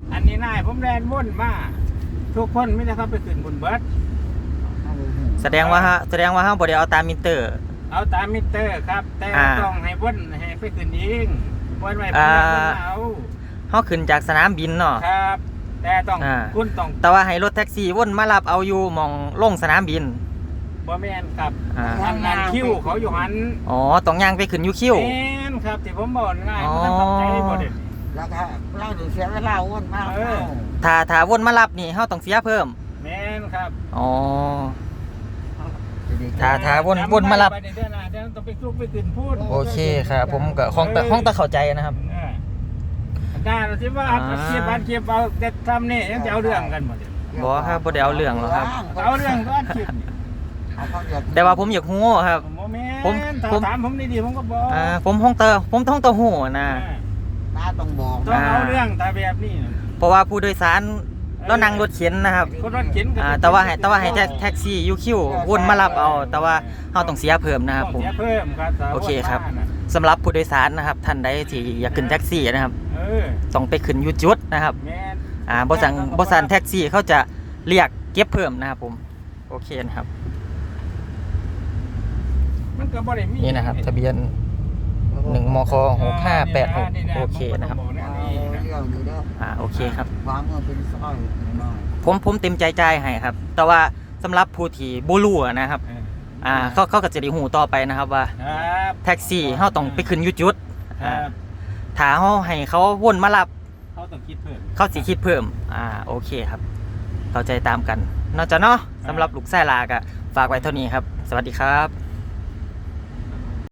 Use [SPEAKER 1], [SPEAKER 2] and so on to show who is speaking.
[SPEAKER 1] อันนี้นายผมแลนว่นมาทุกคนไม่ได้เข้าไปขึ้นบนเบิร์ด
[SPEAKER 2] แสดงว่าเฮาบ่ได้เอาตามมิเตอร์
[SPEAKER 1] เอาตามมิเตอร์ครับ แต่ต้องให้ว่นให้ไปขึ้นเองว่นไว้ผมเอา
[SPEAKER 2] เฮาขึ้นจากสนามบินเนาะ
[SPEAKER 1] ครับ แต่ต้องคุณต้อง
[SPEAKER 2] แต่ว่าให้รถแท็กซี่วนมารับเอาอยู่หม่องลงสนามบิน
[SPEAKER 1] บ่แม่นครับทำงานคิวเขาอยู่หัน
[SPEAKER 2] อ๋อต้องย่างไปขึ้นอยู่คิว
[SPEAKER 1] แม่นครับที่ผมบอกง่ายมันต้องใจบ่เด็ด
[SPEAKER 3] แล้วก็เราถึงเสียเวลาวนมาก
[SPEAKER 2] ถ้าวนมารับนี่เฮาต้องเสียเพิ่ม
[SPEAKER 1] แม่นครับ
[SPEAKER 2] อ๋อถ้าวนมารับ
[SPEAKER 1] เดี๋ยวต้องไปลุกไปขึ้นพูด
[SPEAKER 2] โอเคครับผมก็ห้องตะเข้าใจนะครับ
[SPEAKER 1] ได้เราคิดว่าเก็บอันเก็บเอาแต่ทำนี่ยังจะเอาเรื่องกันหมด
[SPEAKER 2] บ่ครับบ่ได้เอาเรื่องหรอกครับ
[SPEAKER 1] เอาเรื่องก็อันเก็บ
[SPEAKER 2] แต่ว่าผมอยากฮู้ครับ
[SPEAKER 1] ผมถามผมดีๆผมก็บอก
[SPEAKER 2] ผมห้องตะฮู้นะ
[SPEAKER 3] ตาต้องบอก
[SPEAKER 1] ต้องเอาเรื่องแต่แบบนี้
[SPEAKER 2] เพราะว่าผู้โดยสารแล้วนั่งรถเข็นนะครับ
[SPEAKER 1] คนรถเข็น
[SPEAKER 2] แต่ว่าให้แท็กซี่ยูคิววนมารับเอาแต่ว่าเฮาต้องเสียเพิ่มนะครับผม
[SPEAKER 1] เสียเพิ่มครับ
[SPEAKER 2] โอเคครับสำหรับผู้โดยสารนะครับท่านใดที่อยากขึ้นแท็กซี่นะครับต้องไปขึ้นอยู่จุดนะครับบ่สั่งแท็กซี่เขาจะเรียกเก็บเพิ่มนะครับผมโอเคนะครับนี่นะครับทะเบียน1มค6586โอเคนะครับโอเคครับ
[SPEAKER 3] วางเงินเป็นสร้อยน้อย
[SPEAKER 2] ผมเต็มใจจ่ายให้ครับแต่ว่าสำหรับผู้ที่บ่รู้นะครับเขาก็จะได้หูต่อไปนะครับว่าแท็กซี่เฮาต้องไปขึ้นอยู่จุดถ้าเฮาให้เขาวนมารับ
[SPEAKER 1] เขาต้องคิดเพิ่ม
[SPEAKER 2] เขาสิคิดเพิ่มโอเคครับเข้าใจตามกันเนาะจ้ะเนาะสำหรับลูกไส้ลาก็ฝากไว้เท่านี้ครับสวัสดีครับ